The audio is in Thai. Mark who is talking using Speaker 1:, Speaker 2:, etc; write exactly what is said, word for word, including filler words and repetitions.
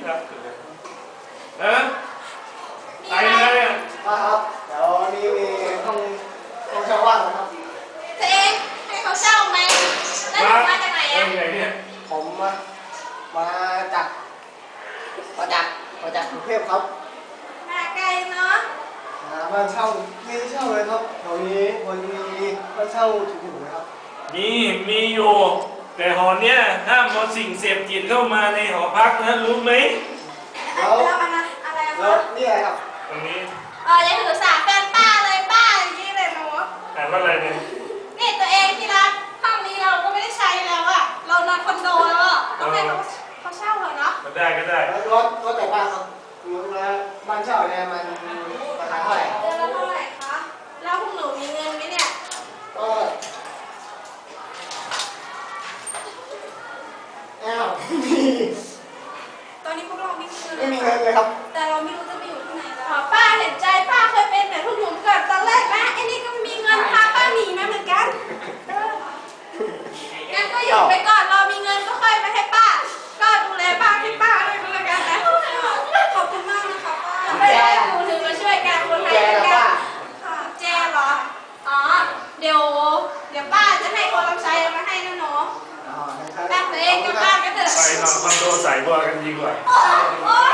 Speaker 1: ครับเออไปเลยอ่ะ
Speaker 2: มาครับเดี๋ยวนี้มีห้องห้องเช่าว่างนะครับ
Speaker 3: ตัวเองให้เขาเช่าไหมแล้วถึงมาจากไหนอ่ะ
Speaker 1: เนี่ย
Speaker 2: ผมมามาจากมาจากมาจากกรุงเทพครับ
Speaker 3: มาไกลเนาะ
Speaker 2: หาบ้านเช่าไม่ได้เช่าเลยครับแถวนี้วันนี้บ้านเช่าถูกๆนะครับ
Speaker 1: มีมีอยู่แต่หอเนี้ยห้ามเอาสิ่งเสพติดเข้ามาในหอพักนะรู้ไหม
Speaker 3: แล้วอะไรอะไร
Speaker 2: แล้วนี่อะไรครับ
Speaker 1: ตรงนี้
Speaker 3: เออยังถือสาแฟนป้าเลยป้าอย่างนี้เลยหนู
Speaker 1: อ่านว่าอะไรเนี่ย
Speaker 3: นี่ตัวเองที่รักห้องนี้เราก็ไม่ได้ใช้แล้วอะเรานอนคอนโดแล้วอะต้องให้เขาเขาเช่าเหรอเนาะ
Speaker 1: ก็ได้ก็ได้
Speaker 2: แล้วรถรถแต่บ้านครับแล้วบ้านเช่าเนี่ยมันราคาเท่าไหร่
Speaker 3: เดือนละเท่าไหร่คะแล้วพวกหนูมีเงินไหมเนี่ย
Speaker 2: ก็อ้าวมี
Speaker 3: ตอนนี้พวกเราไม่มีเงิน
Speaker 2: ไม่มีเงินเลยครับ
Speaker 3: แต่เราไม่รู้จะไปอยู่ที่ไหนแล้วป้าเห็นใจป้าเคยเป็นแบบพวกหนูเกิดตอนแรกนะไอ้นี่ก็มีเงินพาป้าหนีมาเหมือนกันงั้นก็อยู่ไปก่อนเรามีเงินก็ค่อยไปให้ป้าก็ดูแลป้าให้ป้าด้วยก็แล้วกันนะขอบคุณมากนะคะป้าไม่ได้หนูถึงมาช่วยกันคนไทยด้วยกันค่ะแจเหรออ๋อเดี๋ยวเดี๋ยวป้าจะให้คนรับใช้มาให้นะหนูแป๊บเองกับป้ากันเถอะ
Speaker 1: ไปนอนคอนโดใส่บัวกันดีกว่า
Speaker 3: โอ้